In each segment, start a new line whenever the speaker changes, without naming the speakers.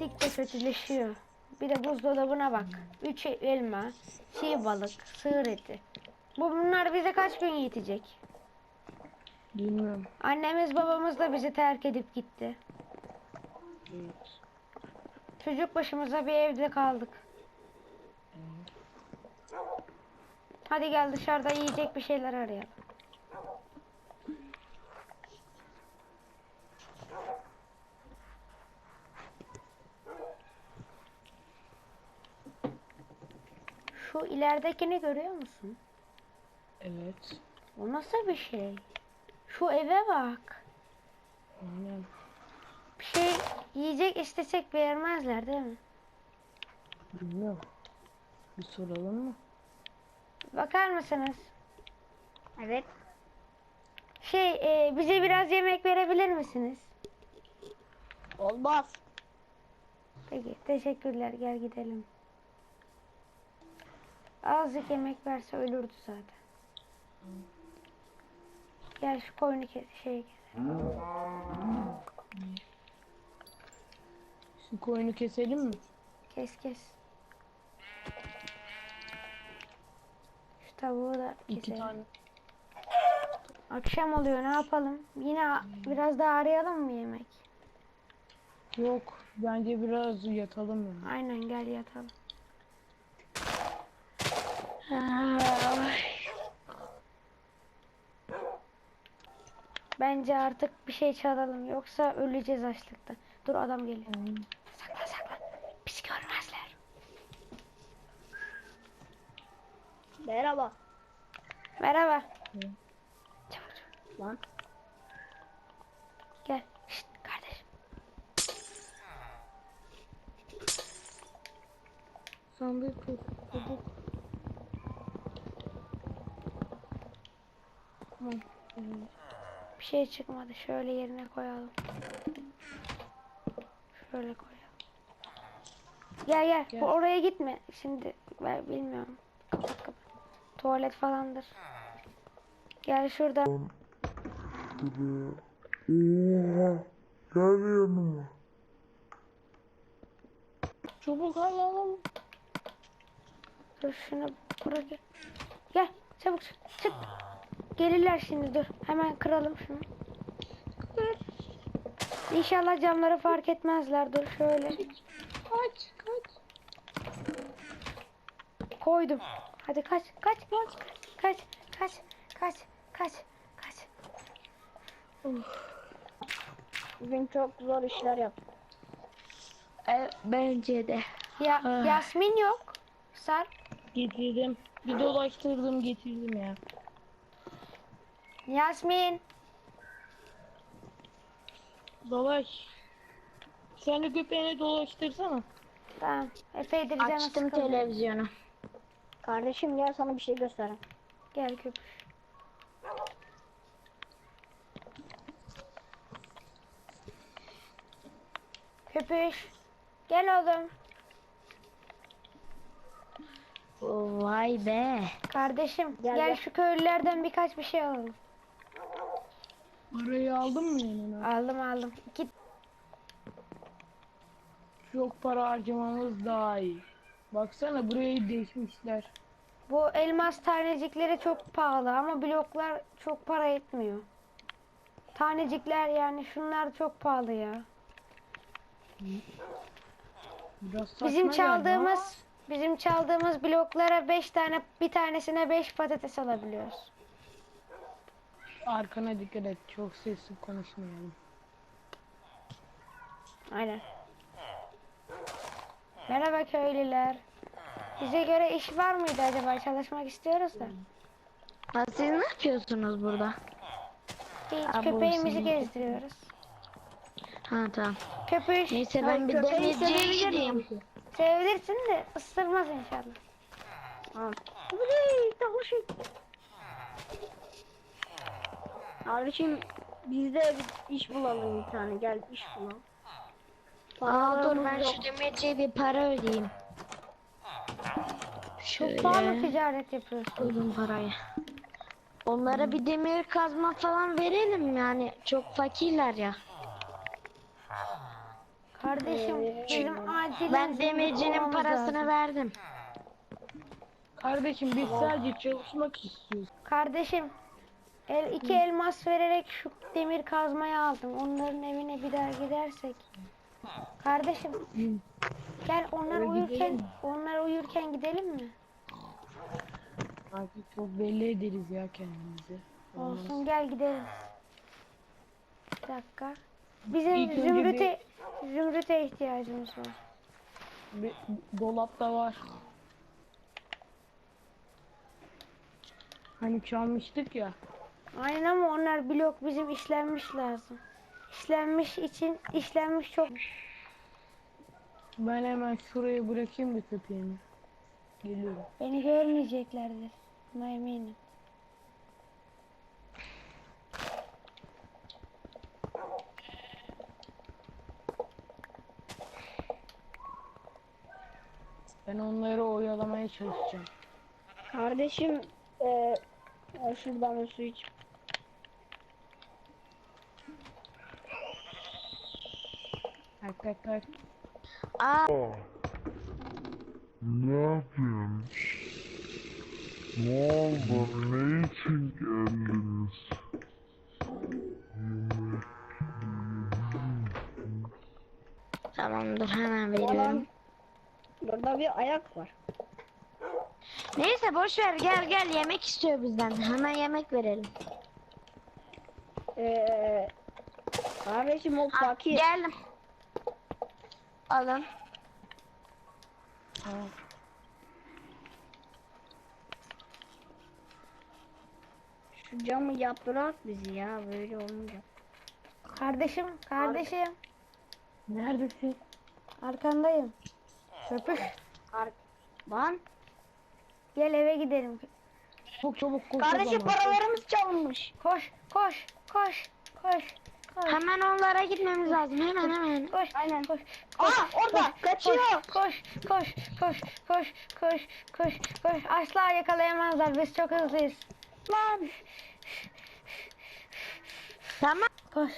gittikçe kötüleşiyor. Bir de buzdolabına bak. 3 elma, çiğ balık, sığır eti. Bunlar bize kaç gün yetecek?
Bilmiyorum.
Annemiz babamız da bizi terk edip gitti.
Evet.
Çocuk başımıza bir evde kaldık. Hadi gel dışarıda yiyecek bir şeyler arayalım. Şu ileridekini görüyor musun?
Evet.
O nasıl bir şey? Şu eve bak.
Aynen.
Bir şey yiyecek istesek vermezler değil mi?
Bilmiyorum. Bir soralım mı?
Bakar mısınız?
Evet.
Bize biraz yemek verebilir misiniz?
Olmaz.
Peki, teşekkürler. Gel gidelim. Azıcık yemek verse ölürdü zaten. Gel şu koyunu keselim.
Şu koyunu keselim mi?
Kes. Şu tavuğu da
İki
keselim.
tane.
Akşam oluyor, ne yapalım? Yine biraz daha arayalım mı yemek?
Yok. Bence biraz yatalım yani.
Aynen, gel yatalım. Bence artık bir şey çalalım, yoksa öleceğiz açlıktan. Dur, adam geliyor. Saklan. Bizi görmezler.
Merhaba.
Merhaba.
Hı.
Çabuk.
Lan.
Gel. Şşt, kardeşim.
Sandık çabuk. Tamam.
Bir şey çıkmadı. Şöyle yerine koyalım. Şöyle koyalım. Gel.
Gel.
Oraya gitme. Şimdi ben bilmiyorum. Kapat. Tuvalet falandır. Gel şurada.
Gel yanıma.
Çabuk alalım.
Dur şunu buraya. Gel çabuk çık. Gelirler şimdi, dur. Hemen kıralım şunu. İnşallah camları fark etmezler. Dur şöyle.
Kaç.
Koydum. Hadi kaç.
Bugün çok zor işler yaptım.
Bence de.
Ya Yasmin yok. Sarp.
Getirdim. Bir dolaştırdım getirdim ya.
Yasmin.
Dolaş. Sen de köpeğini dolaştırsana.
Tamam. Epeydir canı
Açtım
sıkıldı.
televizyonu. Kardeşim gel sana bir şey göstereyim.
Gel köpüş. Köpüş. Gel oğlum.
Vay be.
Kardeşim
Gel,
gel
gel.
şu köylülerden birkaç bir şey alalım.
Parayı aldın mı yanına?
Aldım. İki.
Çok para harcamamız daha iyi. Baksana burayı değişmişler.
Bu elmas tanecikleri çok pahalı ama bloklar çok para etmiyor. Tanecikler, yani şunlar çok pahalı ya.
Biraz saçma
Bizim çaldığımız bloklara 5 tane, bir tanesine 5 patates alabiliyoruz.
Arkana dikkat et. Çok sesli konuşmayalım.
Aynen. Merhaba köylüler. Bize göre iş var mıydı acaba? Çalışmak istiyoruz da.
Siz ne yapıyorsunuz burada?
Hiç, köpeğimizi gezdiriyoruz.
Ha tamam.
Köpüş.
Neyse ben bir demirciye gideyim.
Sevilirsin de ısırmaz inşallah.
Tamam. Kardeşim biz de bir iş bulalım bir tane. Gel iş bulalım.
Dur ben şu demirciye bir para ödeyeyim.
Çok pahalı ticaret yapıyorsun.
Koydum parayı. Onlara bir demir kazma falan verelim yani çok fakirler ya.
Kardeşim bizim acilen
Ben
zümrüt
demircinin
bulmamız
parasını
lazım.
verdim.
Kardeşim biz sadece çalışmak istiyoruz.
Kardeşim iki elmas vererek şu demir kazmayı aldım. Onların evine bir daha gidersek. Kardeşim gel onlar uyurken gidelim mi?
Artık çok belli ederiz ya kendimizi.
Olsun gel gidelim. Bir dakika. Bizim
İlk önce
zümrüte ihtiyacımız var.
Bir dolapta var. Hani çalmıştık ya.
Aynen ama onlar blok bizim işlenmiş lazım. İşlenmiş çok.
Ben hemen şuraya bırakayım bir köpeğimi. Geliyorum.
Beni görmeyeceklerdir. Buna eminim.
Ben onları oyalamaya çalışacağım.
Kardeşim şuradan bir su iç.
Tak tak tak.
Ne yapayım? Ne oldu? Ne için geldiniz? Yemek
Tamamdır, hemen veriyorum.
Alan, burada bir ayak var.
Neyse boş ver, gel yemek istiyor bizden. Hemen yemek verelim.
Kardeşim o fakir.
Geldim. Alın.
Tamam.
Şu camı yaptırak bizi ya, böyle olmayacak.
Kardeşim
Neredesin?
arkandayım. Köpüş.
Lan
Gel eve gidelim.
Çok çabuk koş o
kardeşim,
zaman.
paralarımız çalınmış.
Koş.
Hemen onlara gitmemiz lazım. Hemen.
Koş.
Aynen.
Koş.
Orada kaçıyor.
Koş. Asla yakalayamazlar. Biz çok hızlıyız.
Lan.
Tamam.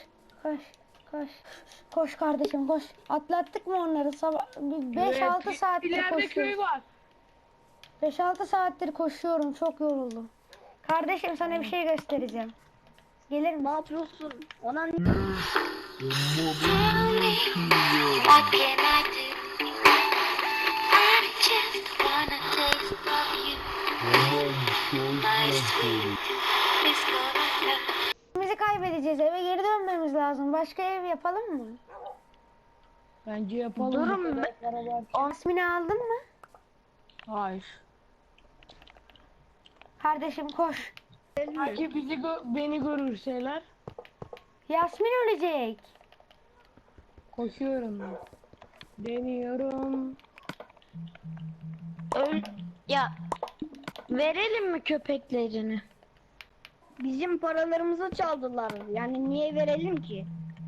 Koş kardeşim koş. Atlattık mı onları? 5-6 saattir
İleride köy
koşuyorum.
var.
5-6 saattir koşuyorum. Çok yoruldum. Kardeşim sana bir şey göstereceğim. Gelir mi?
Ne yapıyorsun? Ona ne?
What can I do? I just wanna taste of you. My sweet, it's gonna hurt.
Bizi kaybedeceğiz. Eve geri dönmemiz lazım. Başka ev yapalım mı?
Bence yapalım.
Durun
Bu kadar
be.
para var.
İsmini aldın mı?
Hayır.
Kardeşim koş.
Belki beni görürseler
Yasmin ölecek.
koşuyorum ben. Deniyorum.
Ya verelim mi köpeklerini?
Bizim paralarımızı çaldılar. Yani niye verelim ki?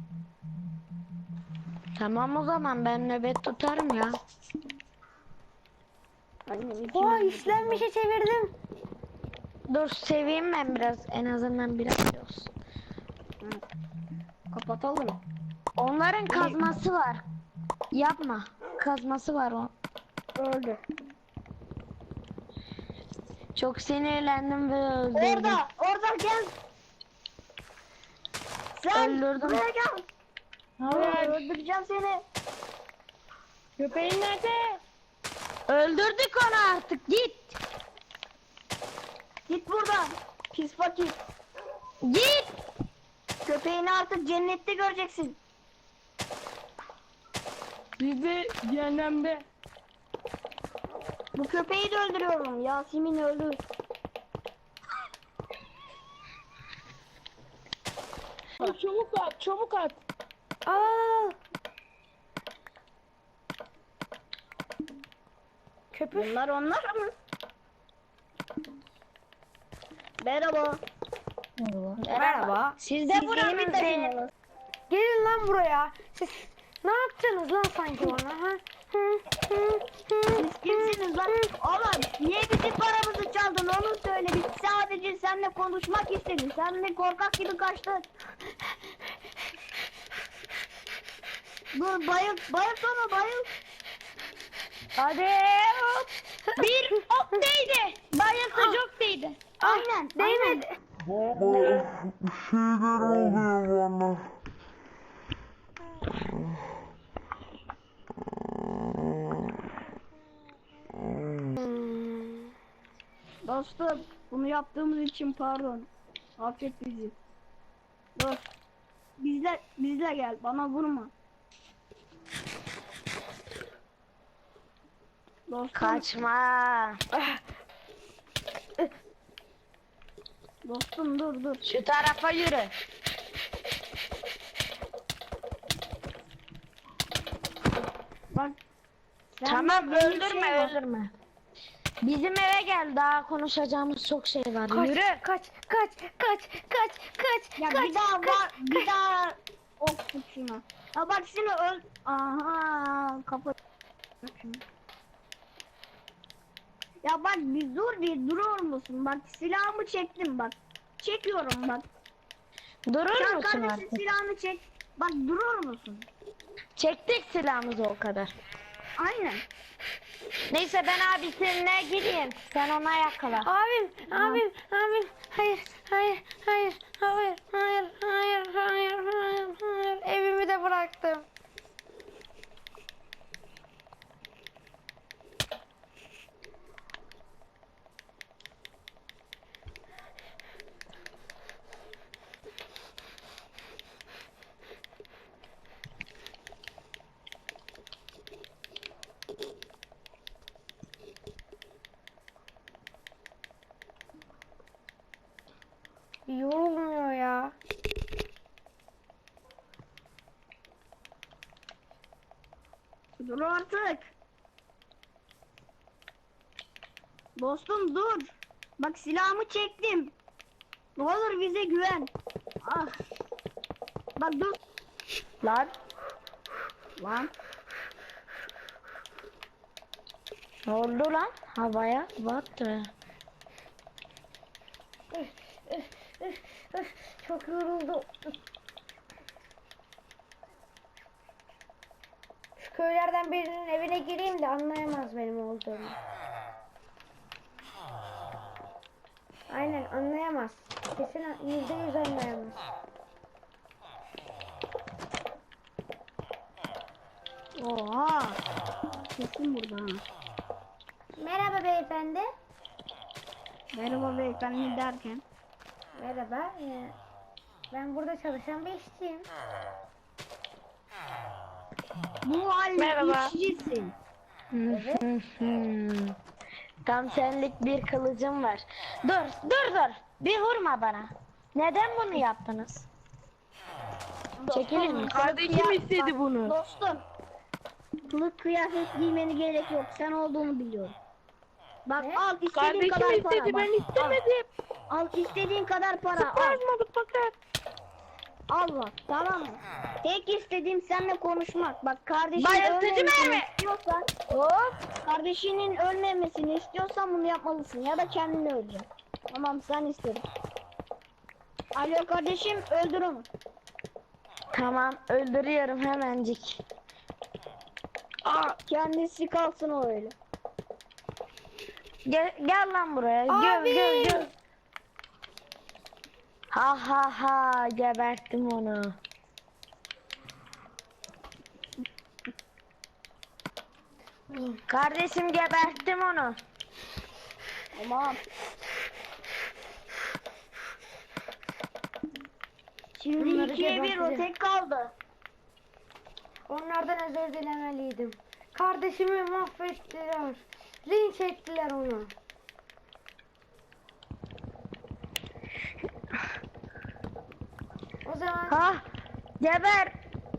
Tamam o zaman ben nöbet tutarım ya.
Oha işlenmişe çevirdim.
Dur seveyim ben biraz, en azından biraz olsun.
Kapatalım.
Onların kazması var. Yapma. Kazması var o.
Öldü.
Çok sinirlendim ve öldürdüm.
Orada gel. Sen
Öldürdüm.
buraya gel.
Hayır.
Öldüreceğim seni.
Köpeğin nerede?
Öldürdük onu artık, git.
Git buradan. Pis fakir.
Git.
Köpeğini artık cennette göreceksin.
Biz de cehennemde.
Bu köpeği de öldürüyorum. Yasemin öldü.
Çabuk at.
Aa! Köpüş.
Bunlar onlar mı? Merhaba.
Merhaba.
Siz de
Siz
buranın
benim
zehir-
taşınız.
Gelin lan buraya. Siz ne yapacaksınız lan sanki bana? Ha?
Siz kimsiniz lan? Oğlum niye bizim paramızı çaldın onu söyle. Biz sadece seninle konuşmak istedik. Sen de korkak gibi kaçtın. Dur bayıl onu bayıl.
Hadi hop. Bir ok değdi. Bayılsa çok değdi.
Aynen.
Değmedi.
Bir şeyler oluyor bana.
Dostum bunu yaptığımız için pardon. Affet bizi. Dur. Bizle gel bana vurma. Dostum,
Kaçma.
dostum dur.
Şu tarafa yürü.
Bak.
Tamam,
benim
öldürme
şey var.
öldürme. Bizim eve gel, daha konuşacağımız çok şey var. Yürü.
Kaç.
Ya bir daha ok tut şuna. Ya bak şimdi aha kapat. Ya bak bir durur musun? Bak silahımı çektim bak. Çekiyorum bak.
Durur
Sen
musun
kardeşin
artık?
silahını çek. Bak durur musun?
Çektik silahımızı o kadar.
Aynen.
Neyse ben abisine gideyim. Sen ona yakala.
Abim. Hayır. Evimi de bıraktım. Yorulmuyor ya.
Dur artık. Dostum dur. Bak silahımı çektim. Ne olur bize güven. Ah. Bak dur.
Lan.
Lan.
Ne oldu lan? Havaya battı.
Çok yoruldum. Şu köylerden birinin evine gireyim de anlayamaz benim olduğumu. Aynen anlayamaz. Kesin %100 anlayamaz.
Oha. Kesin burada. Ha.
Merhaba beyefendi.
Merhaba beyefendi derken.
Merhaba. Ben burada çalışan bir işçiyim.
Bu halde
Merhaba.
işçisin.
Tam senlik bir kılıcım var. Dur. Bir vurma bana. Neden bunu yaptınız? Çekilir misin?
Kardeşim istedi bunu.
Dostum. Kılık kıyafet giymeni gerek yok. Sen olduğunu biliyorum. Bak
Ne?
al istediğin
Kardeşim
kadar para.
istedi,
Bak,
ben istemedim.
al istediğin kadar para. Al.
Sarmadık fakat.
Al bak tamam mı? Tek istediğim seninle konuşmak. Bak kardeşin
Bayıltıcı
ölmemesini
mermi.
istiyorsan,
Hop.
kardeşinin ölmemesini istiyorsan bunu yapmalısın ya da kendini öleceksin. Tamam sen istedin. Alo kardeşim öldür onu.
Tamam, öldürüyorum hemencik.
Kendisi kalsın o öyle.
Gel lan buraya.
Abi!
Gel. Ha geberttim onu. Kardeşim geberttim onu.
Tamam. Şimdi
Bunları
2'ye 1 o
geberteceğim.
tek kaldı.
Onlardan özür dilemeliydim. Kardeşimi mahvettiler. Linç ettiler onu. O zaman
Ha geber.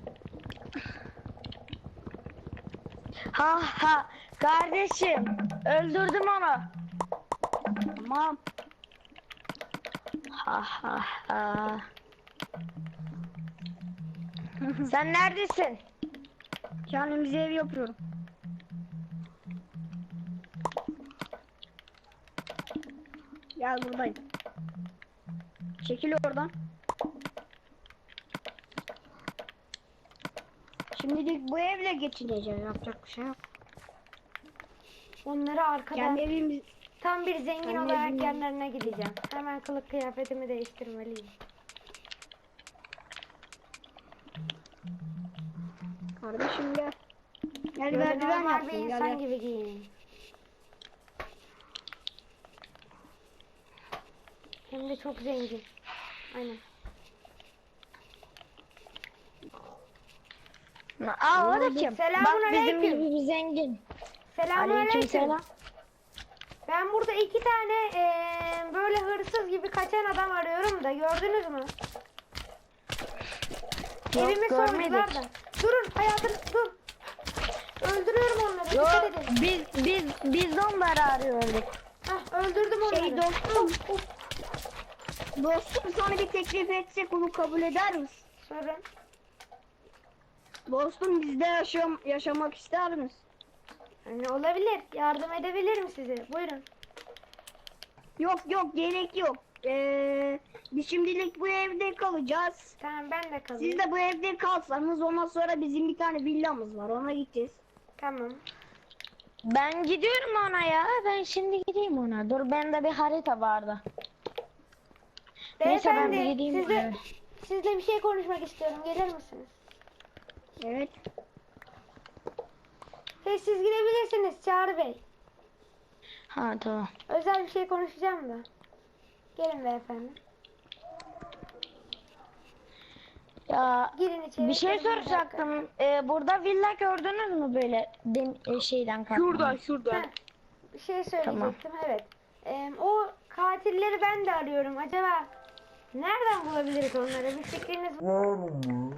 Ha kardeşim öldürdüm onu.
Tamam.
Ha. Sen neredesin?
Kendimize ev yapıyorum. Gel buradayım. Çekil oradan. Şimdilik bu evle geçineceğiz. Yapacak bir şey yok.
Onları arkada
Kendi evimiz...
tam bir zengin
Kendi
olarak
evimiz-
yanlarına gideceğim. Hemen kılık kıyafetimi değiştirmeliyim.
Kardeşim gel. Gel
Böyle
merdiven
normal bir
yapsın. Gel,
insan
gel.
gibi giyineyim. Hem de çok zengin. Aynen.
Aa o da kim?
Selamun
Bak bizim
aleyküm.
gibi bir zengin.
Selamünaleyküm.
Aleykümselam.
Ben burada 2 tane böyle hırsız gibi kaçan adam arıyorum da gördünüz mü?
Yok,
Evimi
görmedik.
sordular da. Durun hayatım dur. Öldürüyorum onları.
Yok
Dikkat edin.
biz de onları arıyorduk.
Hah, öldürdüm onları.
Şey dostum.
Of, of.
Dostum sana bir teklif etsek onu kabul eder misin?
Sorun.
Dostum bizde yaşamak ister misin?
Yani olabilir. Yardım edebilirim size. Buyurun.
Yok gerek yok. Biz şimdilik bu evde kalacağız.
Tamam ben de kalayım.
Siz de bu evde kalsanız ondan sonra bizim bir tane villamız var ona gideceğiz.
Tamam.
Ben gidiyorum ona ya. Ben şimdi gideyim ona. Dur bende bir harita vardı. Neyse ben bir
Beyefendi
gideyim.
sizle bir şey konuşmak istiyorum. Gelir misiniz?
Evet.
Siz gidebilirsiniz Çağrı Bey.
Ha tamam.
Özel bir şey konuşacağım da. Gelin beyefendi.
Ya
Girin içeri.
bir şey
gelin dakika.
soracaktım. Burada villa gördünüz mü böyle şeyden kalkma?
Şurada şurada.
Heh, bir şey söyleyecektim evet. O katilleri ben de arıyorum. Acaba nereden bulabiliriz onları? Bir fikriniz var
Var mı?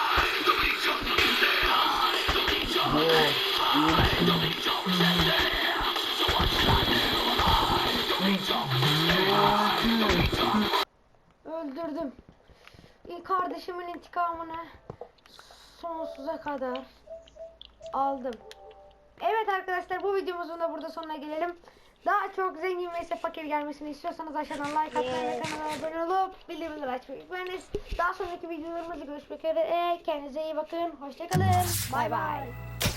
Öldürdüm. Kardeşimin intikamını sonsuza kadar aldım. Evet arkadaşlar bu videomuzun da burada sonuna gelelim. Daha çok zengin ve ise fakir gelmesini istiyorsanız aşağıdan like atmayı ve kanala abone olup bildirimleri açmayı unutmayınız. Daha sonraki videolarımızda görüşmek üzere. Kendinize iyi bakın. Hoşçakalın. Bay bay.